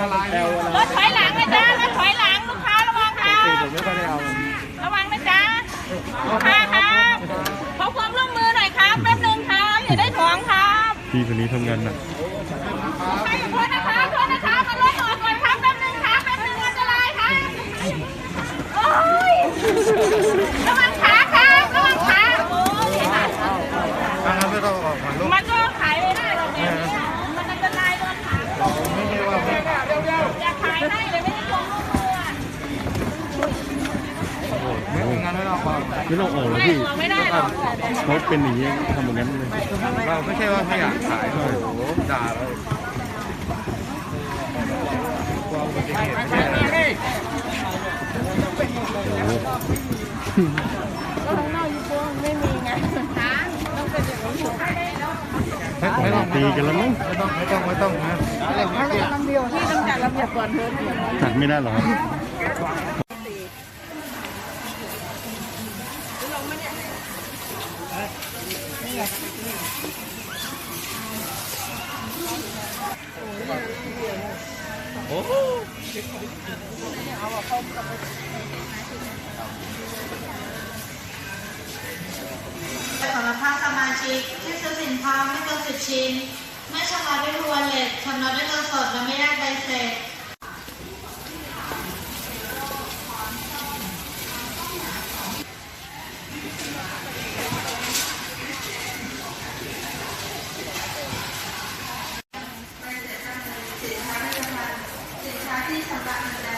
รถถอยหลังนะจ๊ะรถถอยหลังลูกค้าระวังค่ะผมไม่ค่อยได้เอาระวังนะจ๊ะลูกค้าครับขอความร่วมมือหน่อยครับแป๊บนึงครับอย่าได้ถ่วงครับพี่คนนี้ทำงานหนักใครขอโทษนะคะโทษนะคะมารถออกก่อนครับแป๊บนึงครับแป๊บนึงอันตรายครับโอ้ยระวังขาครับระวังขาโอ้ยไม่ต้องออกมาลูกมันก็ขายไม่ได้หรอกเนี่ยมันอันตรายโดนขาไม่ใช่ว่าไม่อยากขายให้เลยไม่ได้ควงลูกมืองั้นไม่ต้องออกไม่ต้องออกหรอกไม่พี่หัวไม่ได้หรอกเขาเป็นอย่างนี้ทำอย่างนั้นเลยเราไม่ใช่ว่าไม่อยากขายเลยโอ้โหด่าเลยกลัวอุบัติเหตุไม่ใช่อะไรโอ้โหก็ข้างนอกยูโก้ไม่มีไงต้องเป็นอย่างนี้ไม่ต้องตีกันแล้วมั้งไม่ต้องนะที่ต้องจัดระเบียบก่อนเถอะจัดไม่ได้หรอครับสำหรับภาคสมาชิกที่ซื้อสินค้าไม่เกิน10 ชิ้นไม่ชำระด้วยวอลเล็ตชำระด้วยเงินสดและไม่ได้ใบเสร็จสินค้าที่ชำระเงินแล้ว